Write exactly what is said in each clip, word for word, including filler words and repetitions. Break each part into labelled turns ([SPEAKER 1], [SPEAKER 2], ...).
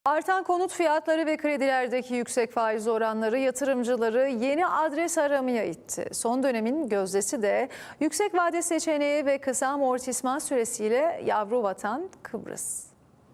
[SPEAKER 1] Artan konut fiyatları ve kredilerdeki yüksek faiz oranları yatırımcıları yeni adres aramaya itti. Son dönemin gözdesi de yüksek vade seçeneği ve kısa amortisman süresiyle yavru vatan Kıbrıs.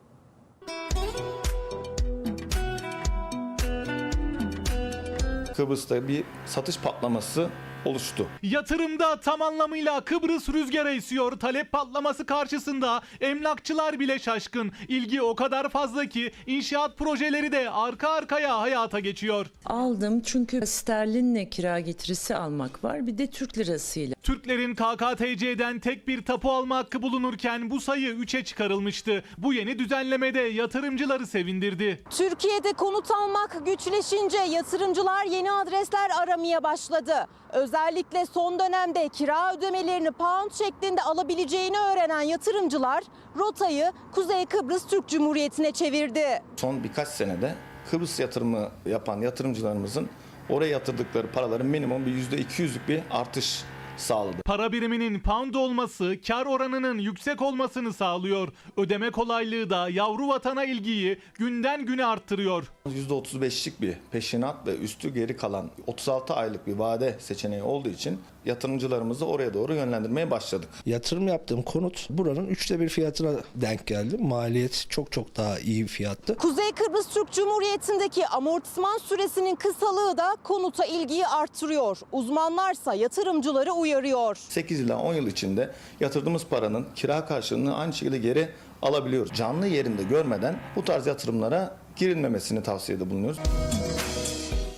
[SPEAKER 2] Kıbrıs'ta bir satış patlaması oluştu.
[SPEAKER 3] Yatırımda tam anlamıyla Kıbrıs rüzgara esiyor. Talep patlaması karşısında emlakçılar bile şaşkın. İlgi o kadar fazla ki inşaat projeleri de arka arkaya hayata geçiyor.
[SPEAKER 4] Aldım çünkü sterlinle kira getirisi almak var, bir de Türk lirasıyla.
[SPEAKER 3] Türklerin K K T C'den tek bir tapu alma hakkı bulunurken bu sayı üçe çıkarılmıştı. Bu yeni düzenlemede yatırımcıları sevindirdi.
[SPEAKER 5] Türkiye'de konut almak güçleşince yatırımcılar yeni adresler aramaya başladı. Özellikle son dönemde kira ödemelerini pound şeklinde alabileceğini öğrenen yatırımcılar rotayı Kuzey Kıbrıs Türk Cumhuriyeti'ne çevirdi.
[SPEAKER 2] Son birkaç senede Kıbrıs yatırımı yapan yatırımcılarımızın oraya yatırdıkları paraların minimum bir yüzde iki yüzlük bir artış sağladı.
[SPEAKER 3] Para biriminin pound olması kar oranının yüksek olmasını sağlıyor. Ödeme kolaylığı da yavru vatana ilgiyi günden güne arttırıyor.
[SPEAKER 2] yüzde otuz beşlik bir peşinat ve üstü geri kalan otuz altı aylık bir vade seçeneği olduğu için yatırımcılarımızı oraya doğru yönlendirmeye başladık.
[SPEAKER 6] Yatırım yaptığım konut buranın üçte bir fiyatına denk geldi. Maliyet çok çok daha iyi bir fiyattı.
[SPEAKER 5] Kuzey Kıbrıs Türk Cumhuriyeti'ndeki amortisman süresinin kısalığı da konuta ilgiyi arttırıyor. Uzmanlarsa yatırımcıları uyarıyor.
[SPEAKER 2] sekiz ila on yıl içinde yatırdığımız paranın kira karşılığını aynı şekilde geri alabiliyoruz. Canlı yerinde görmeden bu tarz yatırımlara girilmemesini tavsiyede bulunuyoruz.